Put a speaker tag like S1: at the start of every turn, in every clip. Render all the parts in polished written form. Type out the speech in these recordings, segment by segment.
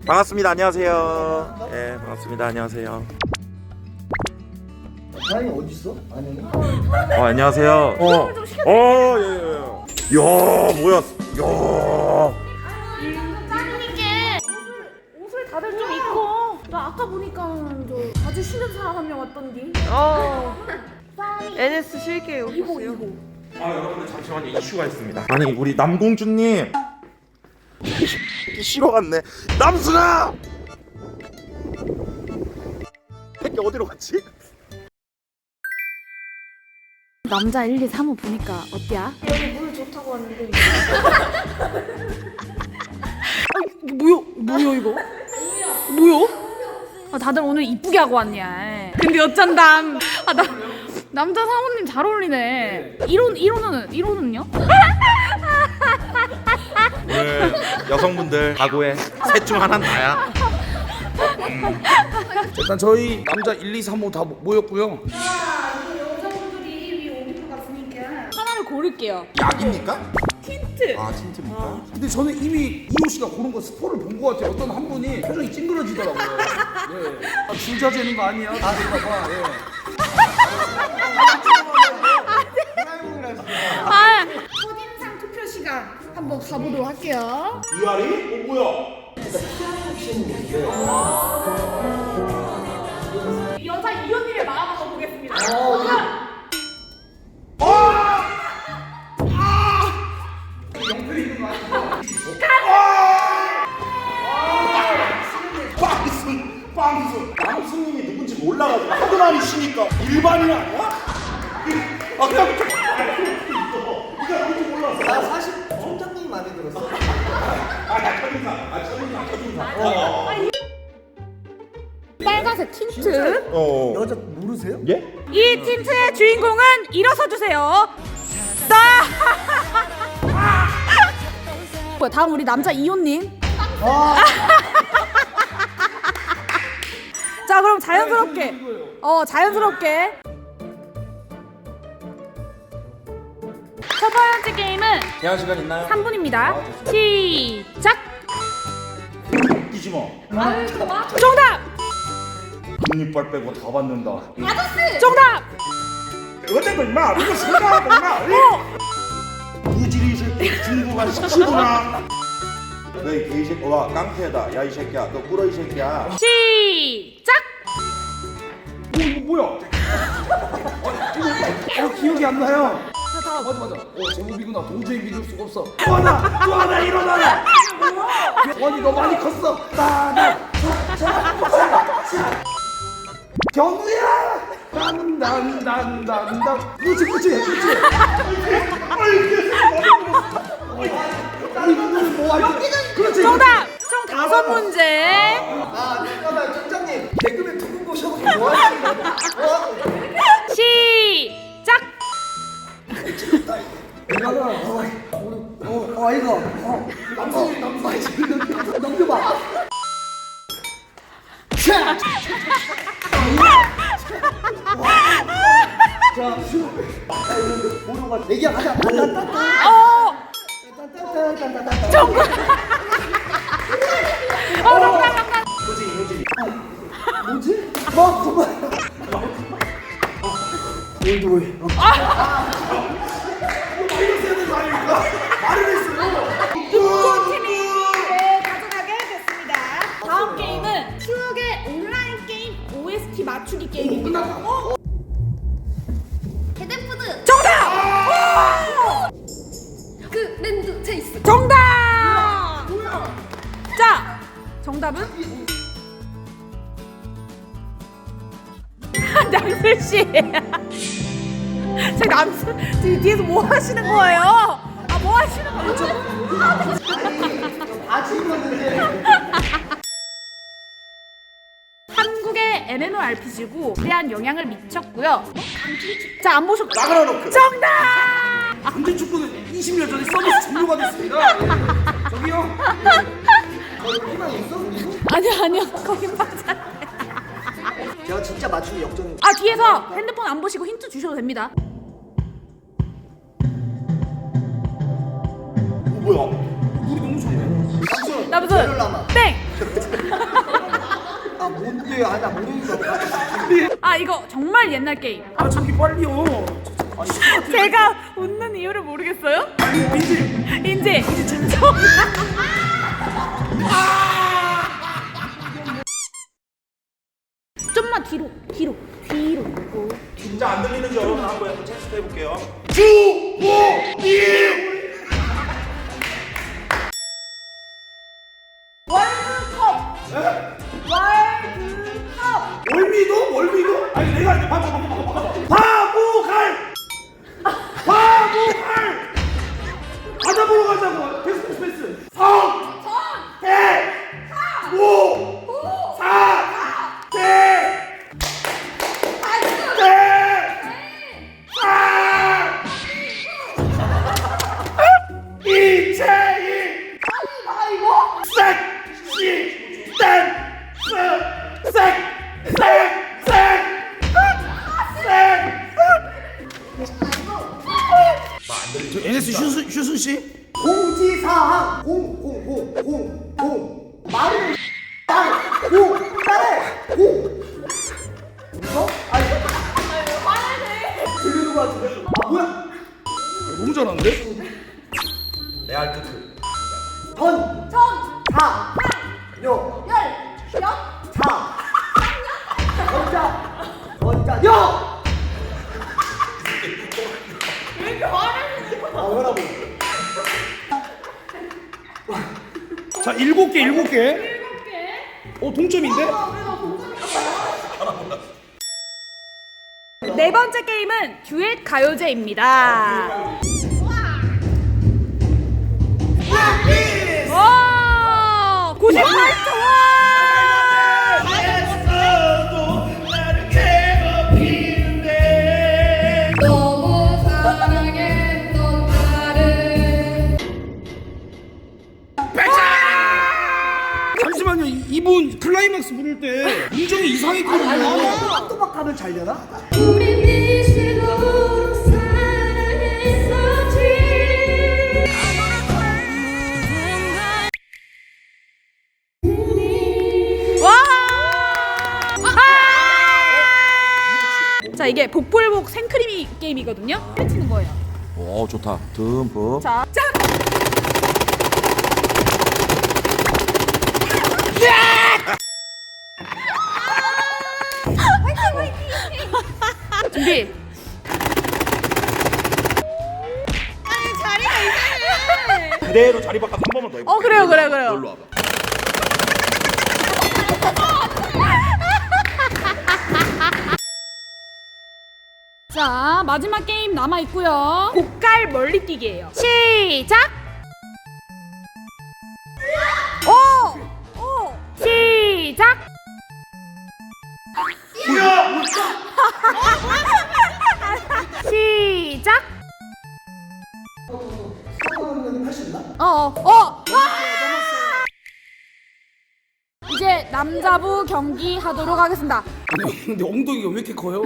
S1: 반갑습니다. 안녕하세요. 예, 반갑습니다. 안녕하세요.
S2: 다행히 어디 있어? 아니.
S1: 안녕하세요. 예, 예. 야, 뭐야? 야.
S3: 따님께 옷을 다들 좀 입고. 나 아까 보니까 저 자주 쉬는 사람 한 명 왔던디.
S4: NS 쉴게요.
S3: 이거.
S1: 여러분들 잠시만요. 이슈가 있습니다. 아니, 우리 남공주님. 쉬러 갔네. 남순아. 새끼 어디로 갔지?
S3: 남자 1, 2, 3호 보니까 어때야? 여기 물 좋다고 하는데. 뭐야 이거? 뭐야? 아, 다들 오늘 이쁘게 하고 왔냐? 근데 어쩐담. 남자 사모님 잘 어울리네. 1호는요?
S1: 오늘 여성분들 각오해. 셋 중 하나는 나야.
S5: 일단 저희 남자 1, 2, 3호 다 모였고요.
S3: 하나를 고를게요.
S1: 약입니까?
S3: 틴트.
S1: 아, 틴트입니까?
S5: 근데 저는 이미 이호 씨가 고른 거 스포를 본 것 같아요. 어떤 한 분이 표정이 찡그러지더라고요. 예. 아, 줄자 재는 거 아니야? 그럴까봐. 예.
S3: 첫인상 투표 시간 한번 가보도록 할게요.
S1: 이하리? 뭐야?
S3: 여자 이현님의 마음 한번 보겠습니다.
S1: 빵수. 남순님이 누군지 몰라가지고 하도 많이 쉬니까 일반인 아니야? 아까부터 네가 누군지 몰랐어.
S2: 나 사실 총장님이 마음에 들었어.
S1: 첫인상.
S3: 빨간색 틴트.
S2: 여자 모르세요?
S1: 예?
S3: 이 틴트의 주인공은 일어서 주세요. 다음 우리 남자 이호님. 자, 그럼 자연스럽게. 자연스럽게. 첫 번째 게임은
S1: 대화 시간 있나요?
S3: 3분입니다. 시작.
S1: 웃기지 마.
S3: 정답.
S1: 금리빨 빼고 다 받는다.
S3: 정답.
S1: 어쨌든 임마 이거 생각하고 임마. 무지리 새끼 중국한 시키구나. 너이 개새끼 와 깡패다. 야 이 새끼야 너 꿇어 이 새끼야.
S3: 시작.
S5: 이거 뭐야? 기억이 안 나요. 맞아. 제목이구나. 도저히 믿을 수가 없어. 또 하나 일어나라. 원이 너 많이 컸어. 경우야. 난. 그렇지. 그렇지.
S3: 정답. 총 5문제.
S2: 잠깐만 총장님 개그맨 두 분 모셔놓고 뭐 하시는 거야?
S3: 시작.
S2: 이거 넘겨봐. 자, 모르고 얘기야 가자.
S3: 정답.
S2: 뭐지? 정말. 올드보이.
S3: 가져가게 됐습니다. 다음 게임은 추억의 온라인 게임 OST 맞추기 게임입니다.
S6: 개댄푸드
S3: 정답!
S6: 그 랜드 체이스
S3: 정답! 자, 정답은? 남슬 씨. 제 남슬 뒤에서 뭐 하시는 거예요? 뭐 하시는 거예요?
S2: 아직 입었는데.
S3: 한국의 MMORPG고 대한 영향을 미쳤고요. 자, 안 보셨?
S1: 나그라노크.
S3: 정답!
S5: 전진 축구는 20년 전에 서비스 종료가 됐습니다. 예. 저기요.
S2: 희망 있어? 그리고?
S3: 아니요, 거긴 맞아요.
S2: 제가 진짜 맞추기 역전.
S3: 뒤에서 핸드폰 안 보시고 힌트 주셔도 됩니다.
S1: 뭐야?
S5: 우리 너무 좋네.
S3: 남순
S2: 벨룰라마.
S3: 땡. 아 이거 정말 옛날 게임.
S5: 아 저기 빨리요.
S3: 제가 웃는 이유를 모르겠어요? 인지. 좀만 뒤로.
S1: 진짜 안 들리는지 여러분 한번 테스트 해볼게요.
S5: 월미도? 월미도? 아니 내가 이제 바보갈 과자 보러 가자고. 패스 3 대 5 4 대 4 이채희 섹시 댄스 저 NS 슈순 씨?
S2: 공지사항 공 말을 땅고 딸에 공 이거? 아니 들리는 거 같은데? 아 뭐야?
S5: 너무 잘하는데?
S1: 레알 크크.
S2: 요 자 건자 요 왜 이렇게 말을 아 왜라고
S5: 자 7개 동점인데?
S3: 네 번째 게임은 듀엣 가요제입니다. 와! 98점!
S6: 너무 사랑했던 나를
S5: 잠시만요. 이분 클라이막스 부를 때 음정이 이상했거든요.
S2: 또박하면 잘 되나?
S6: 우리 미치도록 사랑했었지.
S3: 와! 자, 이게 복불복 생크림이 게임이거든요. 해치는 거예요.
S1: 오 좋다. 듬뿍.
S3: 자, 짠! 준비.
S1: 그대로 자리 바꿔 한 번만 더 해볼게.
S3: 그래요.
S1: 놀러 와봐.
S3: 자, 마지막 게임 남아 있고요. 고깔 멀리뛰기예요. 시작. 오! 시작. 시작.
S2: 수학하면 할 수 있나?
S3: 와! 이제 남자부 경기 하도록 하겠습니다.
S5: 아니 근데 엉덩이가 왜 이렇게 커요?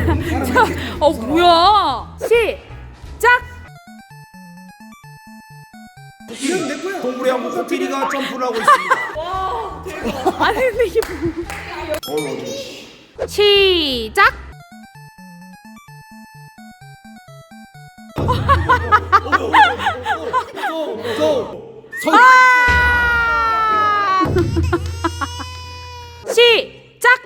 S3: 뭐야? 시작.
S2: 이건 내 거야.
S5: 동물의 한국 코끼리가 점프를 하고 있습니다.
S3: 아니 근데 이게 시작. 시작.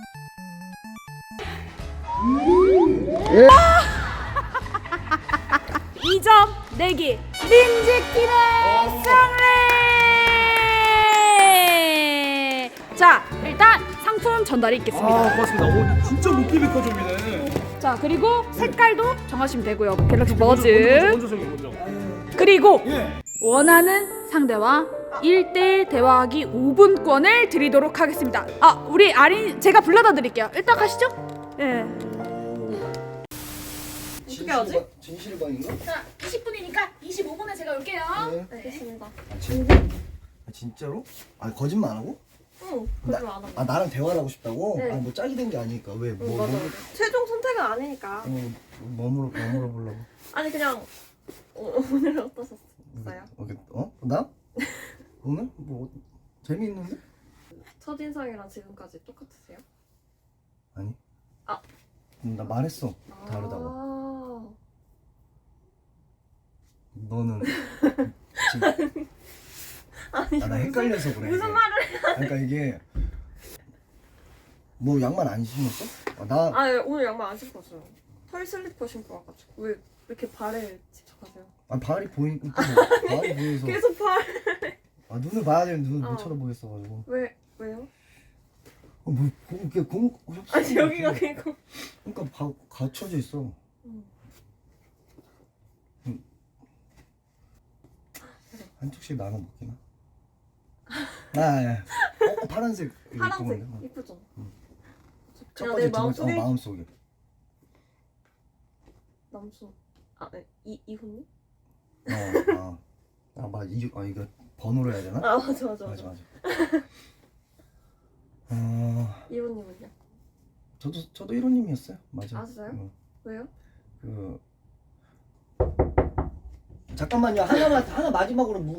S3: 2점 내기 민지팀의 승리. 자, 일단 상품 전달이 있겠습니다.
S5: 고맙습니다. 오 진짜 느낌이 커집니다.
S3: 자, 그리고 색깔도 정하시면 되고요. 갤럭시 버즈.
S5: 먼저 저기 먼저.
S3: 그리고
S5: 예.
S3: 원하는 상대와 1대1 대화하기 5분권을 드리도록 하겠습니다. 우리 아린 제가 불러다 드릴게요. 일단 가시죠. 예.
S2: 어떻게 하지? 진실방인가?
S3: 자, 20분이니까 25분에 제가 올게요.
S2: 네.
S6: 알겠습니다.
S2: 진짜로? 아 거짓말 안 하고?
S6: 응, 거짓말 안 하고.
S2: 아 나랑 대화를 하고 싶다고?
S6: 네.
S2: 아니 뭐 짝이 된 게 아니니까 왜? 뭐
S6: 맞아. 최종 선택은 아니니까.
S2: 뭐 물어보려고?
S6: 아니 그냥 오늘 어떠셨어요?
S2: 나? 오늘? 뭐 재미있는데?
S6: 첫인상이랑 지금까지 똑같으세요?
S2: 아니
S5: 나 말했어. 다르다고.
S6: 아.
S5: 너는 지금
S6: 아니
S5: 나 헷갈려서 그래.
S6: 무슨 말을?
S5: 그러니까 이게 뭐 양말 안 신었어? 나
S6: 아 예, 오늘 양말 안 신고 왔어요. 털 슬리퍼 신고 와가지고 왜 이렇게 발에 집착하세요?
S5: 발이 보이니까 발이 보여서.
S6: 계속 발.
S5: 눈을 봐야 되는데 눈을 못
S6: 어.
S5: 쳐다보겠어가지고.
S6: 왜요?
S5: 뭐 이게 공
S6: 아니 여기가 그니까.
S5: 그러니까 갖춰져 있어. 한쪽씩 나눠 먹기나? 파란색 이거
S6: 파란색
S5: 이쁘건데?
S6: 이쁘죠?
S5: 첫
S6: 그냥
S5: 번째
S6: 내 마음속에
S5: 마음속에.
S6: 남수. 아 네. 이훈님?
S5: 이거 번호로 해야 되나?
S6: 아 맞아.
S5: 맞아.
S6: 이훈님은요?
S5: 저도 1호님이었어요. 맞아.
S6: 아 진짜요? 왜요?
S5: 잠깐만요. 하나 마지막으로